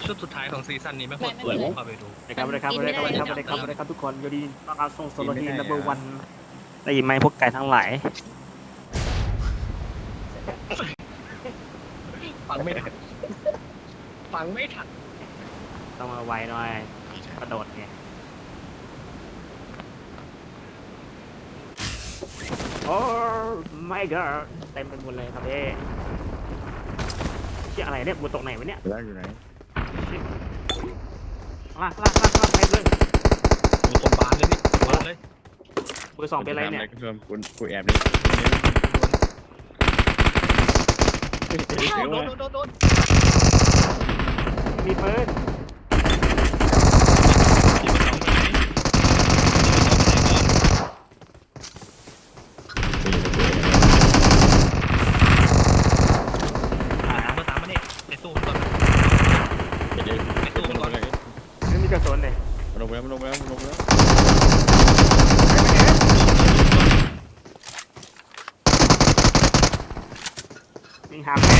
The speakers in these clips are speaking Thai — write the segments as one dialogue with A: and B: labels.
A: ชุดสุดท้ายของซีซั่นนี้ไม่ควรเปิดเข้าไปดู
B: นะครับทุกคนยินดีต้อนรับส่งโซโลทีนัมเบอร์วันได้ยินไหมพวกไก่ทั้งหลาย
A: ฟังไม่ทัน
B: ต้องมาไวหน่อยกระโดดไงโอ้ my god เต็มไปหมดเลยครับเอ๊ะที่อะไรเนี่ยบนตกไหนวะเนี่ย
C: แล้วอยู่ไหน
B: ลากไปเลย
A: มีคนบานเลยนี่บานเลย
B: เบอร์สองเป็นอะไรเนี่ย
C: กูแอบนี่
A: โดน
B: มีปืน
A: มาตามมาเนี่ยไอ้ตู้มันก่อนไอ้ตู้มันก่อน
B: ไม่มีกระสุนเลย
C: มันลงแล้ว
B: ยิงหาแม่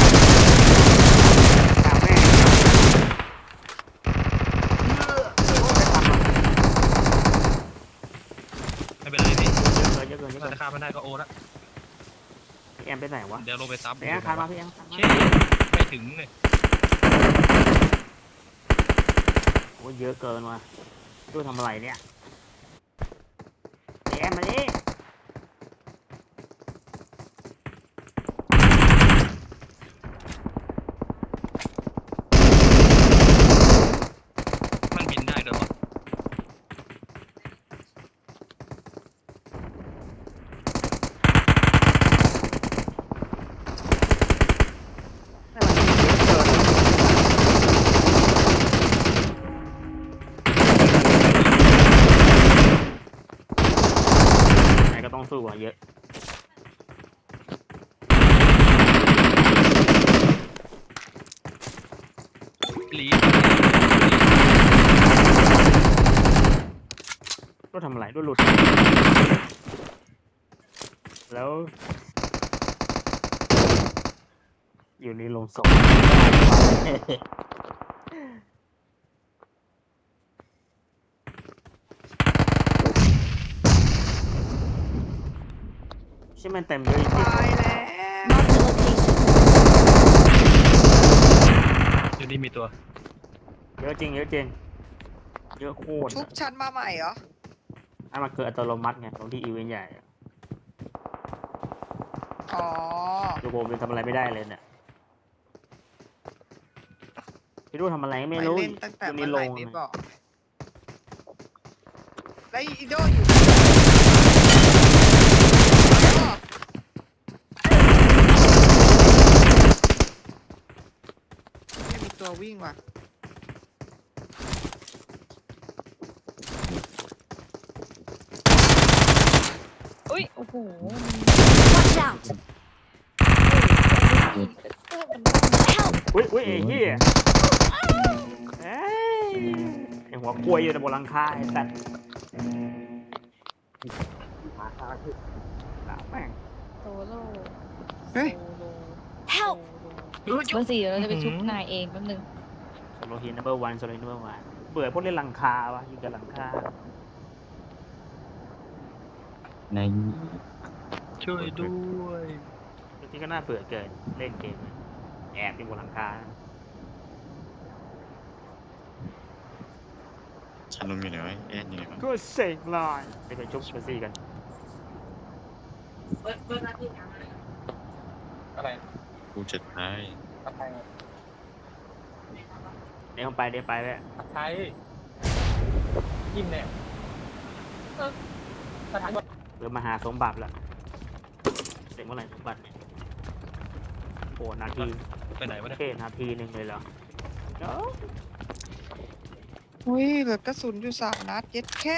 A: ไม่เป็นไรพี่
B: เยอะเกิน
A: ถ้าฆ่ามันได้ก็โอ้ละ
B: พี่แอมไปไหนวะ
A: เดี๋ยวลงไปซับ
B: พี่แอมคานมาพี่แอม
A: เช่ไม่ถึงเลย
B: โอ้เยอะเกินว่ะดูทำอะไรเนี่ยพี่แอมมาดิ
A: มันบินได้ด้วยวะ
B: ไหนก็ต้องสู้อ่ะเยอะ
A: ลี
B: รู้ทำอะไรรู้หลุดแล้วอยู่ในโรงศพใช่มันเต็มเลยจริง
D: ตายแล้ว
A: อยู่นี่มีตัว
B: เยอะจริงเยอะโคตร
D: ชุบชั้นมาใหม่เหรอ
B: มันคืออัตโนมัติไงตรงที่อีเวนต์ใหญ่
D: อ๋อ
B: ตัวผมยังทำอะไรไม่ได้เลยเนี่ยพี่รู้ทำอะไรไม่
D: ไป
B: รู้
D: เล่นตั้งแต่
B: อยู่ใน
D: เมื่อไห
B: โร
D: ร่
B: ง
D: นี่
B: นะ
D: บอกแล้วอีโดอยู่ไม่มีตัววิ่งว่ะ
E: อุ้ย โอ้โห
F: Watch out!
B: อุ้ยไอ้เหี้ยเอ้ยไอ้หัวกล้วยอยู่ในบนหลังคาไอ้สัตว์มาคาคือแม่ง
E: โซโล่
D: เฮ้ย
F: Help!
E: เบอร์สี่เราจะไปชุบนายเองแป๊บนึง
B: โซโลฮีนัมเบอร์วันเบื่อพวกเล่นหลังคาวะยิงกับหลังคา
C: ใน
A: ช่วยด้วย
B: จริงๆก็น่าเบื่อเกินเล่นเกมแอบอยู่บนหลังคา
C: ฉันลงอยู่ไหนวะแอนอยู่ไหนวะ
B: ก็เสกลอยไปชุบเบอร์ซี่กัน
A: อะไร
C: กูจะตาย
A: อะไร
B: เดี๋ยวไปแล้ว
A: ใช้ยิ้มเนี่ยสถาน
B: เริ่มมาหาสมบัติแล้วเสร็จเมื่อไหร่สมบัติเนี่ยโอ้นาที
A: ไปไหนวะเนี่ย
B: แค่นาทีหนึ่งเลยเหรอเนาะ
D: อุ้ยเหลือกระสุนอยู่3 นัดเย็ดแค่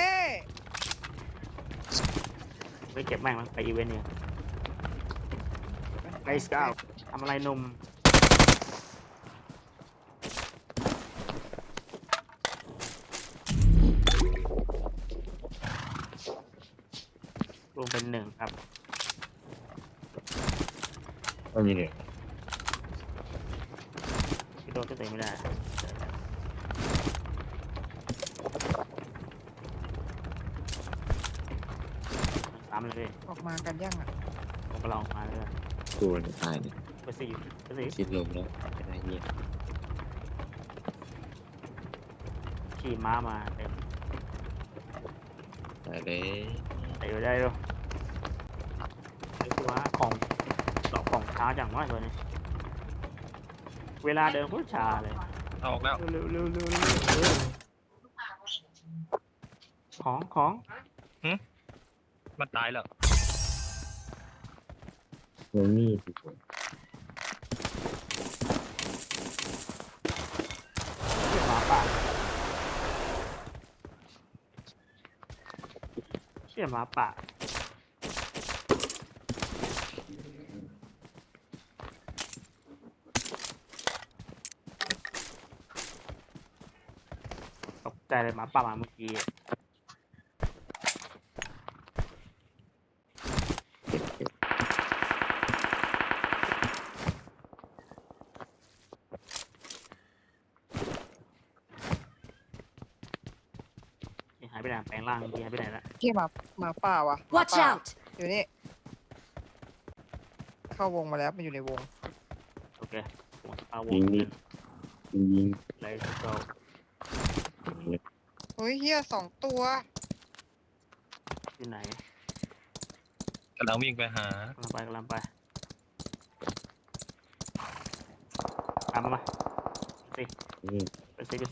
B: ไปเก็บแม่งมั้งไปอีเวนต์เนี่ยไนสกาวทำอะไรหนุ่มรวมเป็น1 ครับ
C: ไม่มีเนี่ย
B: พี่โดตัวตัวเองไม่ได้ตามเลยพี่
D: ออกมากันยังอ่ะ
B: ผมก็ลองมาเลย
C: กูจะตายเนี่ย
B: เบอร์สี่เบอร์สี่
C: คิดลมแล้วจะได้เงียบ
B: ขี่ม้ามาเต็ม
C: ตายเลย
B: ได้อยู่ได้อยู่ไอ้คือว่าของดอกของช้าจังวะตัวนี้เวลาเดินโคตรช้าเลย
A: เอาออกแล้ว
B: เร็วเร็วเร็วเร็วเร็วของ
A: มันตายแล้ว
C: มึงนี่สิ
B: เชี่ยหมาป่าเชี่ยหมาป่าตกใจเลยหมาป่ามาเมื่อกี้หายไปไหนแปลงร่างเมื่อกี้หายไปไหนละ
D: ที่หมาป่าวะหมา
F: Watch
D: ป่า
F: out!
D: อยู่นี่เข้าวงมาแล้วมันอยู่ในวง
B: โอเคผมเอาว
C: ยิ
B: ง
C: งนี่ยิง
B: เลยก็
D: เฮ้ยเฮีย2 ตัว
B: ที่ไหน
A: กำลังวิ่งไปหาก
B: ำลังไปตามมาสิไปสิ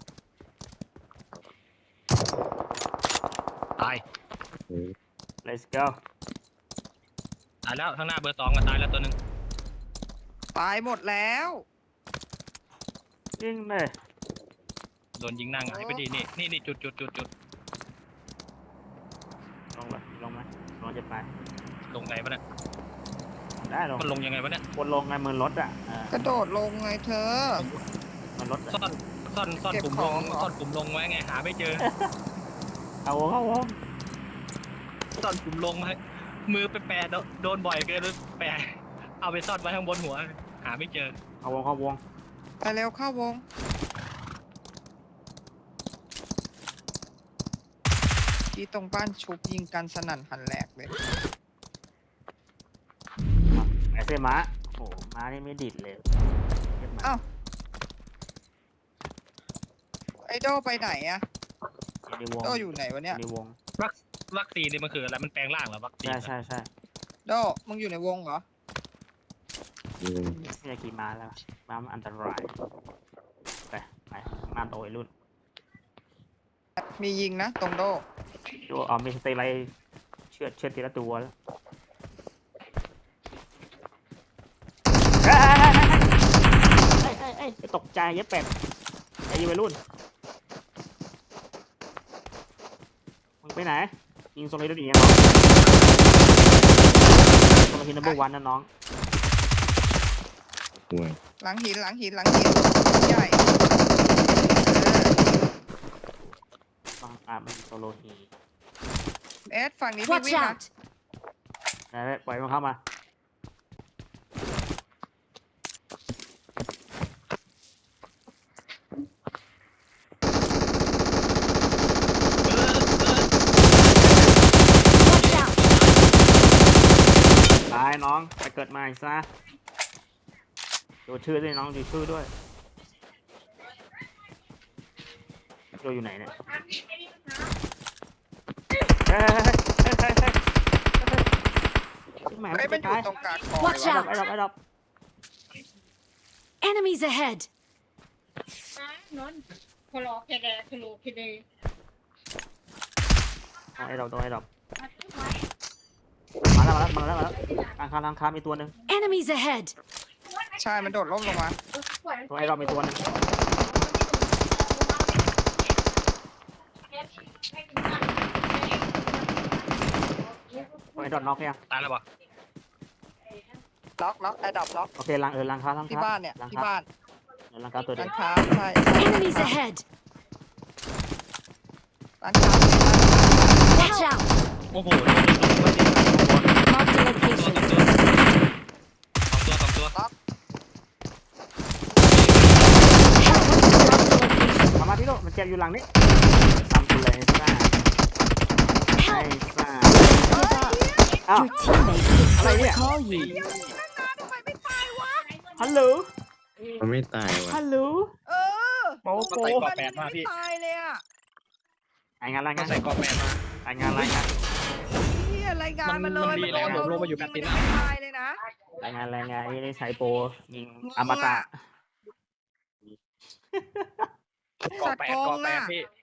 A: ตาย
B: let's go
A: ตายแล้วข้างหน้าเบอร์ 2ก็ตายแล้วตัวหนึ่ง
D: ตายหมดแล้ว
B: ยิงเลย
A: โดนยิงหน้าหงายไปดินี่จุด
B: ลงเลยลงไหมลงจะไป
A: ลงไงวะเนี่ย
B: ได้ลง
A: มันลงยังไงวะเนี่ย
B: บนลงไงมือรถอ่ะ
D: กระโดดลงไงเธอ
B: มันรถ
A: ซ่อน
D: เก็บ
A: ปุ่ม
D: ข
A: ล
D: อง
A: ง
D: เหรอ
A: ซ่อนปุ่มลงไว้ไงหาไม่เจอ
B: เข้าวง
A: ซ่อนปุ่มลงไว้มือไปแปะโดนบ่อยเกินเลยแปะเอาไปซ่อนไว้ข้างบนหัว หาไม่เจอ
B: เข้าวง
D: ไปเร็วเข้าวงที่ตรงบ้านชุบยิงกันสนั่นหันแหลกเลย
B: ไอเซม้าโอ้ม้านี่ไม่ดิดเลย
D: อ้าวไอโดไปไหนอะ
B: ในวง
D: โดอยู่ไหนวะเนี่ย
B: ในวง
A: วัคซีนนี่มันคืออะไรมันแปลงร่างเหรอวัคซีน
B: ใช่
D: โดมึงอยู่ในวงเหรอ
B: ไม่อยากขี่ม้าแล้วม้ามันอันตรายไปมาโตไอ้รุ่น
D: มียิงนะตรงโด
B: ดูเอามีสเตย์ไรเชือดทีละตัวแล้วตกใจเย็บเป็ดไอ้ยูวัยรุ่นมึงไปไหนยิงโซลิดดีน้องโซลิดนัมเบอร์วันนะน้อง
C: ห่วย
D: หลังหินใหญ่
B: บางมันโซโลฮี
D: เอสฝั่งนี้พี่
F: Watch
D: วิ่งนะ
F: out!
B: นะปล่อยมันเข้ามาตายน้องไปเกิดใหม่ซะดูชื่อด้วยน้องดูชื่อด้วยดูอยู่ไหนเนี่ยแหม
D: ไอ้ยมันอยู่ตรงกลางคลอง
F: Watch
D: เลยวะ
F: out
B: ไอ้ดอก
F: Enemies ahead!
G: นอนพลอเคเดพลูเคเด
B: ไอ้ดอกมาแล้วทางค้ามีตัวหนึ่ง
F: Enemies ahead!
D: ใช่มันโดดร่มลงมา
B: ตัวไอ้ดอกมีตัวหนึ่งตัวไอ้ดอกน็อกยัง
A: ตายแล้วปะ
D: ล็อกแอดดับล็อก
B: โอเคลังค้า
D: ที่บ้านเนี่ยที่บ้าน
B: ลังค้าตัวเดีย
D: ร้า
B: วน
D: ค้าใช่
F: Enemies ahead!
D: ร้านค้า
F: Watch out!
A: โอ้โห
F: Marked a location.
A: สองตัว
D: ล็อก
B: จ็บอยู่หลังนี้ทำกูเลยซ่าไอ้ซ่า
F: Give up.
B: อ้าว
F: Your teammates will still
B: อะไรเนี่ย
F: recall you.
D: ทำไมไม่ตายวะ
B: ฮัลโหล
C: มันไม่ตายว่ะ
B: ฮัลโหล
D: เออ
B: โป๊ะ
A: มัน
B: โป๊
A: ใส่กรอบ
B: ะ
A: แปดมาพี่
D: ตายเลยอ่ะ
B: รายงานราย
A: มั
B: งาน น
A: ใส่กรอบแปดมาร
B: ายงานรายงาน
D: เฮียรายงานมาเลย
A: มันดีแล้ว
D: โดน
A: ลงมาอยู่
D: ยิง
A: แปดสิบ
D: มันยังไม่ตายเลยนะ
B: รายงานรายงานนี่ใช้โปรยิงอมตะ
A: กรอบแปดกรอบแปดพี่